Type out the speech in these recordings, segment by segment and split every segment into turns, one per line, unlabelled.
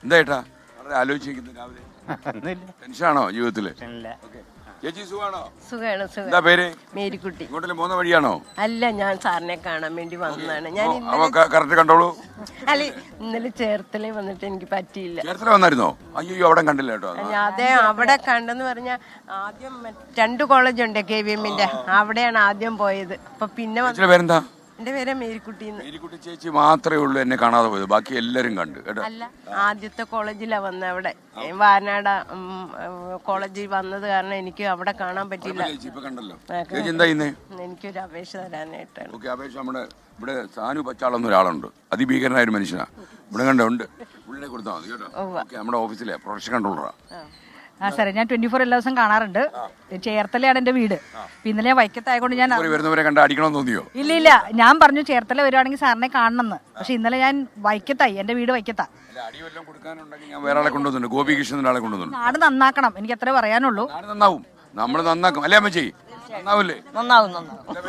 എന്താ ഏട്ടാ വളരെ ആലോചിച്ചിരിക്കുന്നു രാവിലെ? ടെൻഷനാണോ ജീവിതത്തില്? ചേച്ചി സുഖാണോ?
സുഖാണ്.
എന്താ പേര്?
മേരിക്കുട്ടി.
ഇങ്ങോട്ടല്ലേ പോകുന്ന വഴിയാണോ?
അല്ല, ഞാൻ സാറിനെ കാണാൻ വേണ്ടി വന്നതാണ്. ഞാൻ
കറക്റ്റ് കണ്ടോളൂ.
അല്ല, ഇന്നലെ ചേർത്തലേ വന്നിട്ട് എനിക്ക് പറ്റിയില്ല.
ചേർത്തല വന്നായിരുന്നോ? അയ്യോ അവിടെ കണ്ടില്ല കേട്ടോ.
അതെ, അവിടെ കണ്ടെന്ന് പറഞ്ഞാൽ ആദ്യം 2 കോളേജുണ്ട് KVMന്റെ, അവിടെയാണ് ആദ്യം പോയത്. അപ്പൊ പിന്നെ
പേരെന്താ?
എന്റെ പേര് മേരിക്കുട്ടി.
മേരിക്കുട്ടി ചേച്ചി മാത്രമേ ഉള്ളൂ എന്നെ കാണാതെ പോയത്, ബാക്കി എല്ലാരും കണ്ടു കേട്ടോ.
അല്ല, ആദ്യത്തെ കോളേജിലാ വന്നത്. അവിടെ വായനാട് കോളേജിൽ വന്നത് കാരണം എനിക്ക് അവിടെ കാണാൻ പറ്റില്ല. എനിക്കൊരു അപേക്ഷ തരാനായിട്ടാണ്.
അപേക്ഷ നമ്മുടെ ഇവിടെ സാനു പച്ചാളെന്ന ഒരാളുണ്ട്, അതിഭീകരനായ ഒരു മനുഷ്യനാ. ഇവിടെ കണ്ടുണ്ട്, പുള്ളിനെ കൊടുത്താൽ മതി കേട്ടോ. നമ്മുടെ ഓഫീസിലെ പ്രൊഡക്ഷൻ കൺട്രോളറാ.
സാറേ, ഞാൻ 24 എല്ലാ ദിവസം കാണാറുണ്ട്. ചേർത്തലയാണ് എന്റെ വീട്. ഇന്നലെ ഞാൻ വൈക്കത്തായതുകൊണ്ട് ഞാൻ
വരുന്നവരെ കണ്ട് അടിക്കണമെന്ന് തോന്നിയോ?
ഇല്ല, ഞാൻ പറഞ്ഞു ചേർത്തല വരുവാണെങ്കിൽ സാറിനെ കാണണമെന്ന്. പക്ഷെ ഇന്നലെ ഞാൻ വൈക്കത്തായി, എന്റെ വീട് വൈക്കത്താ. നാട് നന്നാക്കണം, എനിക്ക് അത്രേ പറയാനുള്ളൂ.
നന്നാവും, നമ്മൾ നന്നാക്കും അല്ലേ അമ്മച്ചി? നന്നാവൂലേ?
നന്നാവും.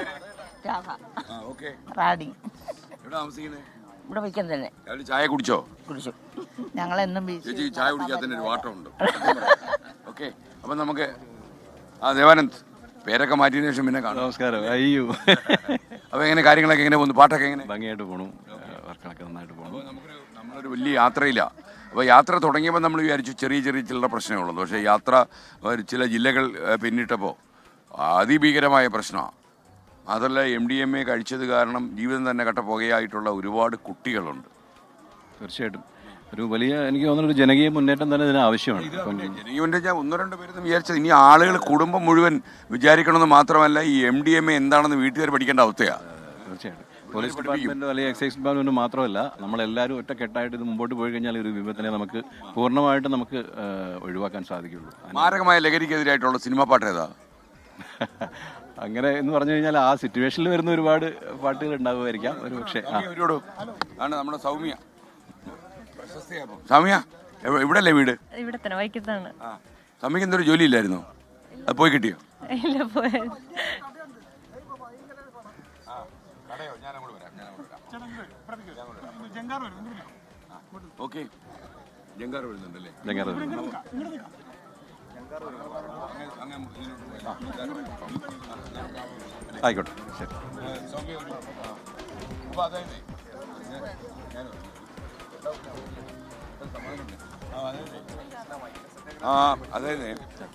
ഇവിടെ വയ്ക്കാൻ തന്നെ.
ചായ കുടിച്ചോ?
കുടിച്ചു.
ഞങ്ങളെന്നും
ചായ കുടിക്കാത്തതിന്റെ ഒരു വാട്ടമുണ്ട്. ഓക്കെ, അപ്പൊ നമുക്ക് ദേവാനന്ദ് പേരൊക്കെ മാറ്റിയതിനു ശേഷം പിന്നെ കാണാം.
നമസ്കാരം. അയ്യോ,
അപ്പൊ എങ്ങനെ കാര്യങ്ങളൊക്കെ എങ്ങനെ പോകുന്നു? പാട്ടൊക്കെ എങ്ങനെ?
ഭംഗിയായിട്ട് പോകണം, വർക്കുകളൊക്കെ നന്നായിട്ട് പോകണം.
നമ്മളൊരു വലിയ യാത്രയില്ല. അപ്പോൾ യാത്ര തുടങ്ങിയപ്പോൾ നമ്മൾ വിചാരിച്ചു ചെറിയ ചില പ്രശ്നങ്ങളുള്ളൂ. പക്ഷേ യാത്ര ചില ജില്ലകൾ പിന്നിട്ടപ്പോൾ അതിഭീകരമായ പ്രശ്നമാണ്. അതല്ല, MDMA കഴിച്ചത് കാരണം ജീവിതം തന്നെ കട്ടപ്പുകയായിട്ടുള്ള ഒരുപാട് കുട്ടികളുണ്ട്.
തീർച്ചയായിട്ടും ഒരു വലിയ, എനിക്ക് തോന്നുന്ന ഒരു ജനകീയ മുന്നേറ്റം തന്നെ ഇതിന് ആവശ്യമാണ്.
ജനകീയ മുന്നേറ്റം ഞാൻ 1-2 പേരെന്ന് വിചാരിച്ചത്, ഇനി ആളുകൾ കുടുംബം മുഴുവൻ വിചാരിക്കണമെന്ന് മാത്രമല്ല, ഈ MDMA എന്താണെന്ന് വീട്ടുകാർ പഠിക്കേണ്ട അവസ്ഥയാണ്.
തീർച്ചയായിട്ടും പോലീസ് ഡിപ്പാർട്ട്മെൻറ്റോ അല്ലെങ്കിൽ എക്സൈസ് ഡിപ്പാർട്ട്മെൻറ്റോ മാത്രമല്ല, നമ്മളെല്ലാവരും ഒറ്റക്കെട്ടായിട്ട് ഇത് മുമ്പോട്ട് പോയി കഴിഞ്ഞാൽ ഒരു വിപത്തിനെ നമുക്ക് പൂർണ്ണമായിട്ട് നമുക്ക് ഒഴിവാക്കാൻ സാധിക്കുള്ളൂ.
മാരകമായ ലഹരിക്കെതിരായിട്ടുള്ള സിനിമാ പാട്ട് ഏതാ?
അങ്ങനെ എന്ന് പറഞ്ഞു കഴിഞ്ഞാൽ ആ സിറ്റുവേഷനിൽ വരുന്ന ഒരുപാട് പാട്ടുകൾ ഉണ്ടാവുമായിരിക്കാം ഒരു പക്ഷേ.
നമ്മുടെ സൗമ്യ. സൗമ്യ ഇവിടെ അല്ലേ വീട്?
ഇവിടെ തന്നെ വൈക്കത്താണ്.
സൗമ്യക്ക് എന്തൊരു ജോലി ഇല്ലായിരുന്നോ? അത് പോയി കിട്ടിയോ?
ഇല്ല, പോയത്.
ഓക്കെ, ജങ്കാർ വരുന്നുണ്ടല്ലേ?
ആയിക്കോട്ടെ, ശരി.
അതായത്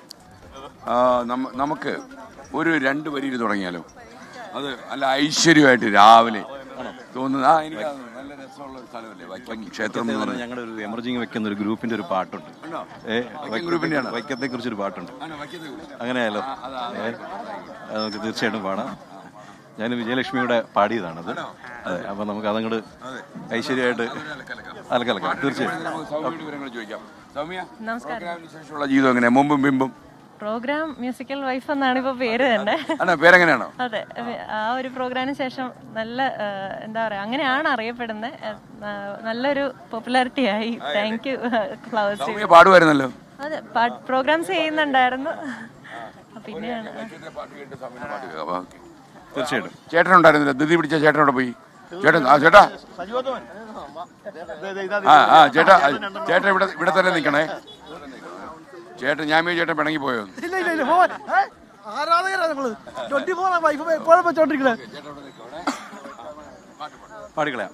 നമുക്ക് ഒരു 2 വരിയിൽ തുടങ്ങിയാലോ? അത് നല്ല ഐശ്വര്യമായിട്ട് രാവിലെ തോന്നുന്നത്. എനിക്ക് നല്ല രസമുള്ള ഒരു സ്ഥലമല്ലേ വൈക്കം ക്ഷേത്രം എന്ന് പറഞ്ഞാൽ.
ഞങ്ങളുടെ ഒരു എമർജിങ് വെക്കുന്ന ഒരു ഗ്രൂപ്പിന്റെ ഒരു പാട്ടുണ്ട്, വൈക്കത്തെ കുറിച്ചൊരു പാട്ടുണ്ട്. അങ്ങനെയല്ലോ, അത് നമുക്ക് തീർച്ചയായിട്ടും പാടാം. ഞാൻ വിജയലക്ഷ്മിയുടെ പാടിയതാണത്. അതെ, അപ്പൊ നമുക്ക് അതങ്ങോട്ട് ഐശ്വര്യമായിട്ട് അലക്കലക്കാം. തീർച്ചയായിട്ടും.
നമസ്കാരം. ജീവിതം എങ്ങനെയാ മുമ്പും പിമ്പും?
പ്രോഗ്രാം മ്യൂസിക്കൽ വൈഫ് എന്നാണ് ഇപ്പൊ പേര് തന്നെ.
പേരെങ്ങനെയാണോ?
അതെ, ആ ഒരു പ്രോഗ്രാമിന് ശേഷം നല്ല എന്താ പറയാ, അങ്ങനെയാണ് അറിയപ്പെടുന്നത്. നല്ലൊരു പോപ്പുലാരിറ്റി ആയി. Thank you Flowers.
പാടുമായിരുന്നല്ലോ.
അതെ, പ്രോഗ്രാംസ് ചെയ്യുന്നുണ്ടായിരുന്നു. പിന്നെയാണ്
തീർച്ചയായിട്ടും. ചേട്ടനുണ്ടായിരുന്നില്ല? ധൃതി പിടിച്ച ചേട്ടനോട് പോയി. ചേട്ടാ ചേട്ടൻ ഇവിടെ തന്നെ നിൽക്കണേ. ചേട്ടൻ ഞാൻ ചേട്ടൻ പിണങ്ങി പോയോ?
പാടിക്കളയാം.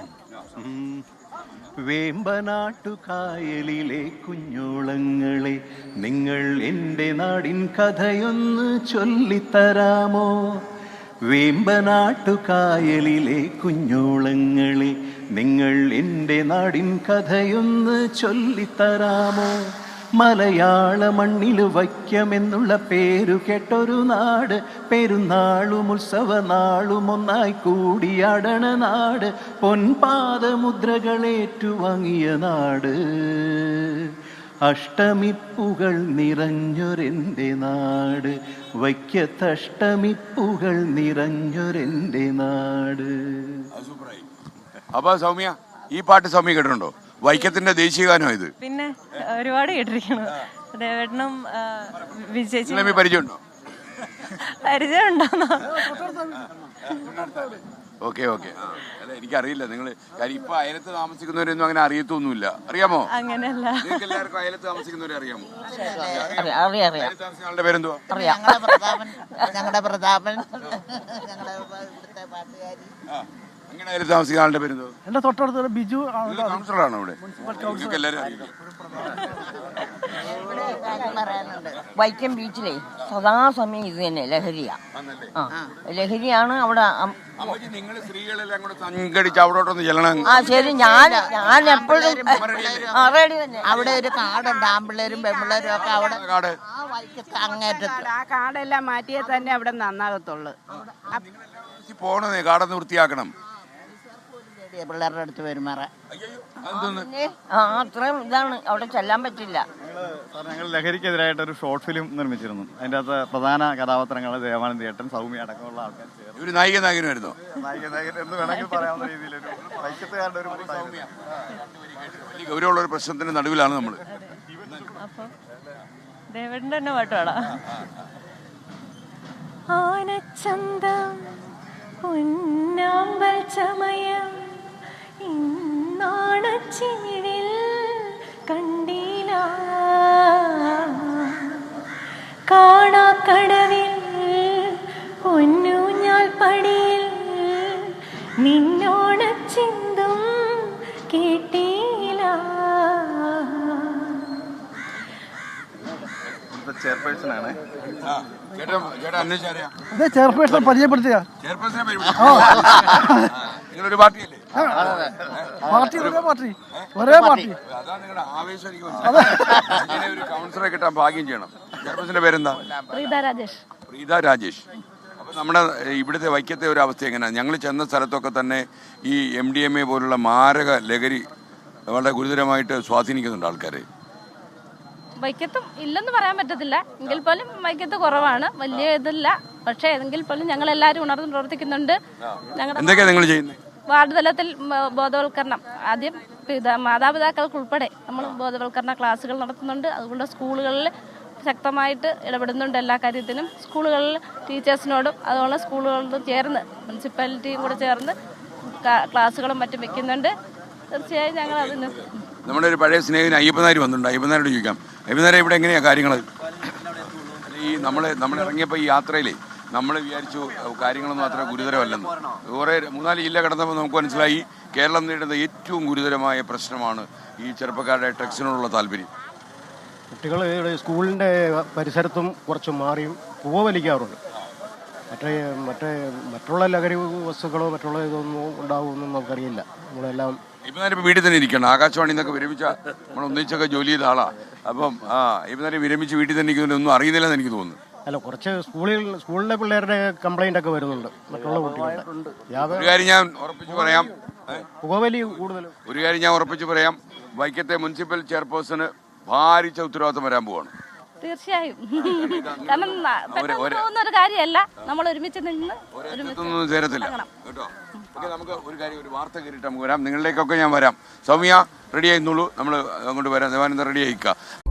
വേമ്പനാട്ടുകായലിലെ കുഞ്ഞോളങ്ങളെ, നിങ്ങൾ എൻ്റെ നാടിൻ കഥയൊന്ന് ചൊല്ലിത്തരാമോ? വേമ്പനാട്ടുകായലിലെ കുഞ്ഞോളങ്ങളെ, നിങ്ങൾ എൻ്റെ നാടിൻ കഥയൊന്ന് ചൊല്ലിത്തരാമോ? മലയാള മണ്ണിൽ വൈക്കമെന്നുള്ള പേരു കേട്ടൊരു നാട്, പെരുന്നാളും ഉത്സവനാളും ഒന്നായി കൂടിയാടണ നാട്, പൊൻപാദമുദ്രകളേറ്റുവാങ്ങിയ നാട്, അഷ്ടമിപ്പുകൾ നിറഞ്ഞൊരെൻ്റെ നാട്, വൈക്കത്തഷ്ടമിപ്പുകൾ നിറഞ്ഞൊരെൻ്റെ നാട്.
അപ്പൊ സൗമ്യ, ഈ പാട്ട് സൗമ്യ കേട്ടിട്ടുണ്ടോ? വൈക്കത്തിന്റെ ദേശീയഗാനം ഇത്.
പിന്നെ ഒരുപാട് കേട്ടിരിക്കണം. ദേവേട്ടനും
പരിചയമുണ്ടോ?
പരിചയമുണ്ടോ?
Okay okay. അല്ല എനിക്കറിയില്ല നിങ്ങൾ കാര്യം ഇപ്പൊ അയലത്ത് താമസിക്കുന്നവരൊന്നും അങ്ങനെ അറിയത്തൊന്നുമില്ല. അറിയാമോ?
അങ്ങനെയല്ല.
നിങ്ങൾക്ക് എല്ലാവർക്കും അയലത്ത് താമസിക്കുന്നവരെ അറിയാമോ?
അറിയാം.
അയലത്ത് താമസിക്കുന്ന ആളുടെ പേരെന്തുവാ?
ഞങ്ങളുടെ പ്രതാപൻ ഞങ്ങളുടെ ഇവിടുത്തെ പാട്ടുകാരി.
അങ്ങനെ അയലത്ത് താമസിക്കുന്ന ആളുടെ പേരെന്തുവാ?
എന്റെ തൊട്ടടുത്ത് ബിജു
കൗൺസിലറാണോ ഇവിടെ? നിങ്ങൾക്ക് എല്ലാവരും അറിയില്ലേ?
പറയാനുണ്ട്. വൈക്കം ബീച്ചിലെ സദാസമയം ഇത് തന്നെ ലഹരിയാ. ലഹരിയാണ് അവിടെ.
നിങ്ങൾ സ്ത്രീകളെല്ലാം കൂടെ സംഘടിച്ച് അവിടോട്ടൊന്ന് ചെല്ലണം.
ശരി, ഞാൻ എപ്പോഴും റെഡി തന്നെ. അവിടെ ഒരു കാടുണ്ട്, ആമ്പിള്ളേരും പെമ്പിള്ളേരും ഒക്കെ അവിടെ
കാട്
വൈക്കത്ത് അങ്ങേറ്റത്ത്.
ആ കാടെല്ലാം മാറ്റിയേ തന്നെ അവിടെ നന്നാകത്തുള്ളു.
പോണേ കാടൊന്ന് വൃത്തിയാക്കണം.
പിള്ളേരുടെ അടുത്ത് പെരുമാറ
അതെന്തോന്ന്?
അത്രയും ഇതാണ്, അവിടെ ചെല്ലാൻ പറ്റില്ല.
ഞങ്ങൾ ലഹരിക്കെതിരായിട്ടൊരു ഷോർട്ട് ഫിലിം നിർമ്മിച്ചിരുന്നു. അതിൻ്റെ അകത്ത് പ്രധാന കഥാപാത്രങ്ങൾ ദേവാനന്ദ ഏട്ടൻ, സൗമ്യ അടക്കമുള്ള ആൾക്കാർ ചേർന്ന്
ഒരു നായികനായിരുന്നു.
എന്ന് വേണമെങ്കിൽ പറയാവുന്ന രീതിയിലൊരു വൈക്കത്തുകാരുടെ ഒരു
വലിയ ഗൗരവമുള്ള ഒരു പ്രശ്നത്തിന്റെ നടുവിലാണ് നമ്മൾ.
അപ്പൊ ദേവേട്ടൻ്റെ തന്നെ പാട്ട് പാടാം. ആനച്ചന്തം പൊന്നാമ്പൽ ചമയം ഇന്നാണച്ചിമിഴിൽ കണ്ടില്ല, കാണാക്കടവിൽ പൊന്നൂഞ്ഞാൽ പടിയിൽ നിന്നോണച്ചിന്തും കേട്ടില്ല.
ചെയർപേഴ്സൺ ആണ്.
അതെ ചെയർപേഴ്സൺ പരിചയപ്പെടുത്തിയ
നിങ്ങളൊരു പാർട്ടിയല്ലേ?
പാർട്ടി ഒരേ പാർട്ടി.
അതാണ് നിങ്ങളുടെ ആവേശം. എനിക്ക് മനസ്സിലായി. ഒരു കൗൺസിലറെ കിട്ടാൻ ഭാഗ്യം ചെയ്യണം. ചെയർപേഴ്സന്റെ പേരെന്താ? പ്രീത രാജേഷ്. അപ്പൊ നമ്മുടെ ഇവിടുത്തെ വൈക്കത്തെ ഒരു അവസ്ഥ എങ്ങനെയാണ്? ഞങ്ങൾ ചെന്ന സ്ഥലത്തൊക്കെ തന്നെ ഈ MDMA പോലുള്ള മാരക ലഹരി വളരെ ഗുരുതരമായിട്ട് സ്വാധീനിക്കുന്നുണ്ട് ആൾക്കാരെ.
വൈക്കത്തും ഇല്ലെന്ന് പറയാൻ പറ്റത്തില്ല, എങ്കിൽ പോലും വൈക്കത്ത് കുറവാണ്, വലിയ ഇതില്ല. പക്ഷേ എങ്കിൽ പോലും ഞങ്ങൾ എല്ലാവരും ഉണർന്ന് പ്രവർത്തിക്കുന്നുണ്ട്.
എന്തൊക്കെയാ നിങ്ങൾ ചെയ്യുന്നത്?
വാർഡ് തലത്തിൽ ബോധവൽക്കരണം, ആദ്യം മാതാപിതാക്കൾക്ക് ഉൾപ്പെടെ നമ്മൾ ബോധവൽക്കരണ ക്ലാസ്സുകൾ നടത്തുന്നുണ്ട്. അതുകൊണ്ട് സ്കൂളുകളിൽ ശക്തമായിട്ട് ഇടപെടുന്നുണ്ട് എല്ലാ കാര്യത്തിനും. സ്കൂളുകളിൽ ടീച്ചേഴ്സിനോടും അതുപോലെ സ്കൂളുകളോടും ചേർന്ന് മുനിസിപ്പാലിറ്റിയും കൂടെ ചേർന്ന് ക്ലാസ്സുകളും മറ്റും വെക്കുന്നുണ്ട്. തീർച്ചയായും ഞങ്ങൾ അതിന്
നമ്മുടെ ഒരു പഴയ സ്നേഹിതൻ അയ്യപ്പനാർ വന്നിട്ടുണ്ട്. അയ്യപ്പനാരോട് ചോദിക്കാം, അയ്യപ്പനാരെ ഇവിടെ എങ്ങനെയാണ് കാര്യങ്ങൾ? ഈ നമ്മൾ ഇറങ്ങിയപ്പോൾ ഈ യാത്രയിൽ നമ്മൾ വിചാരിച്ചു കാര്യങ്ങളൊന്നും അത്ര ഗുരുതരമല്ലെന്ന്. കുറേ 3-4 ജില്ല കടന്നപ്പോൾ നമുക്ക് മനസ്സിലായി കേരളം നേരിടുന്ന ഏറ്റവും ഗുരുതരമായ പ്രശ്നമാണ് ഈ ചെറുപ്പക്കാരുടെ ഡ്രഗ്സിനോടുള്ള താല്പര്യം.
കുട്ടികൾ ഇവിടെ സ്കൂളിൻ്റെ പരിസരത്തും കുറച്ച് മാറിയും പുകവലിക്കാറുണ്ട്. മറ്റുള്ള ലഹരി വസ്തുക്കളോ മറ്റുള്ള ഇതൊന്നും ഉണ്ടാവുമെന്നും നമുക്കറിയില്ല. നമ്മളെല്ലാം
ഇപ്പം വീട്ടിൽ തന്നെ ഇരിക്കണം. ആകാശവാണി എന്നൊക്കെ വിരമിച്ച നമ്മൾ ഒന്നിച്ചൊക്കെ ജോലി ചെയ്ത ആളാണ്. അപ്പം ഇപ്പം വിരമിച്ച് വീട്ടിൽ തന്നെ ഇരിക്കുന്നൊന്നും അറിയുന്നില്ലെന്ന് എനിക്ക് തോന്നുന്നു.
അല്ല, കുറച്ച് സ്കൂളിലെ പിള്ളേരുടെ കംപ്ലൈൻ്റ് ഒക്കെ വരുന്നുണ്ട് മറ്റുള്ള കുട്ടികളുടെ.
ഒരു കാര്യം ഞാൻ ഉറപ്പിച്ച് പറയാം,
പുകവലി കൂടുതലും.
ഒരു കാര്യം ഞാൻ ഉറപ്പിച്ച് പറയാം, വൈക്കത്തെ മുനിസിപ്പൽ ചെയർപേഴ്സണ് ഭാരിച്ച ഉത്തരവാദിത്വം വരാൻ പോവാണ്.
തീർച്ചയായും. കാരണം പോകുന്ന ഒരു കാര്യമല്ല, നമ്മൾ ഒരുമിച്ച് നിന്ന്
ചേരത്തില്ല കേട്ടോ. നമുക്ക് ഒരു കാര്യം, ഒരു വാർത്ത കേട്ടിട്ട് നമുക്ക് വരാം. നിങ്ങളിലേക്കൊക്കെ ഞാൻ വരാം. സൗമ്യ റെഡി ആയിരുന്നുള്ളൂ, നമ്മൾ അങ്ങോട്ട് വരാം. ദേവാനന്ദ റെഡി ആയിക്കാം.